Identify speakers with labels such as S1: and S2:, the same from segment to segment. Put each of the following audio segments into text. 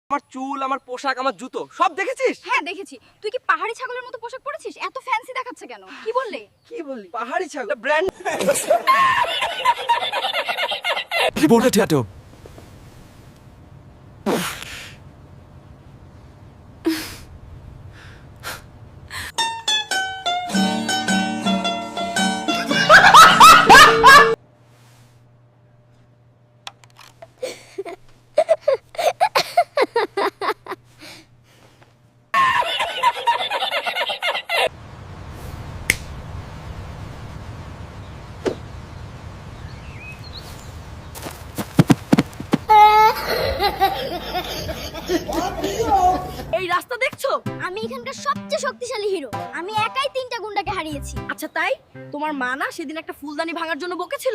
S1: আমার চুল, আমার পোশাক, আমার জুতো সব দেখেছিস?
S2: হ্যাঁ দেখেছি। তুই কি পাহাড়ি ছাগলের মতো পোশাক পরেছিস? এত ফ্যান্সি দেখাচ্ছে কেন? কি বললে?
S1: কি বললি? পাহাড়ি ছাগল ব্র্যান্ড।
S3: Reporter Tato.
S2: এই রাস্তা দেখছো?
S4: আমি এখানকার সবচেয়ে শক্তিশালী হিরো। আমি একাই 3টা গুন্ডাকে হারিয়েছি।
S2: আচ্ছা তাই? তোমার মা না সেদিন একটা ফুলদানি ভাঙার জন্য বকেছিল?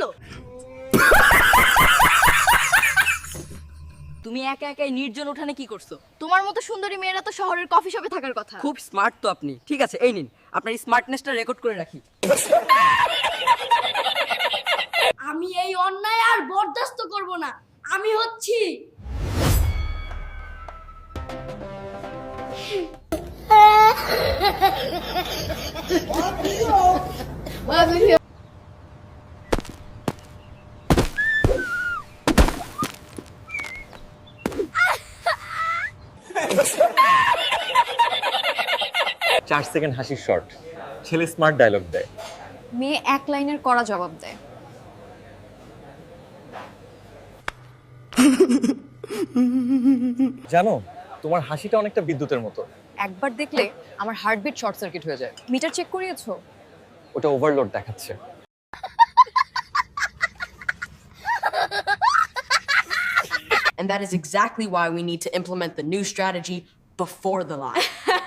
S2: তুমি একা একাই নির্জন উঠানে কি করছো? তোমার মতো সুন্দরী মেয়েরা তো শহরের কফি শপে থাকার কথা।
S1: খুব স্মার্ট তো আপনি। ঠিক আছে, এই নিন আপনার স্মার্টনেসটা রেকর্ড করে রাখি।
S4: আমি এই অন্যায় আর বরদাস্ত করব না। আমি হচ্ছি
S5: চার সেকেন্ড হাসির শর্ট, ছেলে স্মার্ট ডায়লগ দেয়।
S2: মেয়ে এক লাইনের কড়া জবাব দেয়।
S5: জানো, তোমার হাসিটা অনেকটা বিদ্যুতের মতো।
S2: একবার দেখলে আমার হার্টবিট শর্ট সার্কিট হয়ে যায়। মিটার চেক করিয়েছো?
S5: ওটা ওভারলোড দেখাচ্ছে।
S6: And that is exactly why we need to implement the new strategy before the lie.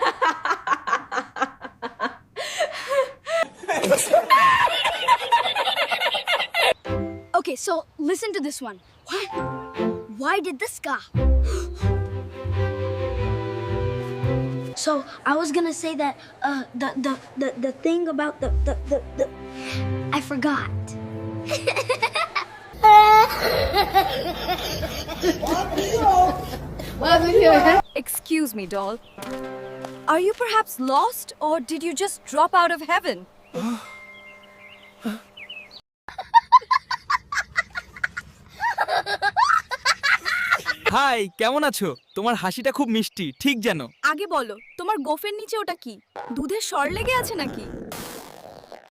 S4: Okay, so listen to this one. Why did this guy? So I was gonna say that the thing about the I forgot.
S2: Excuse me, doll. Are you perhaps lost or did you just drop out of heaven?
S3: Hi, কেমন আছো? তোমার হাসিটা খুব মিষ্টি, ঠিক যেন।
S2: আগে বলো, তোমার গোফের নিচে ওটা কি? দুধের স্বর লেগে আছে নাকি?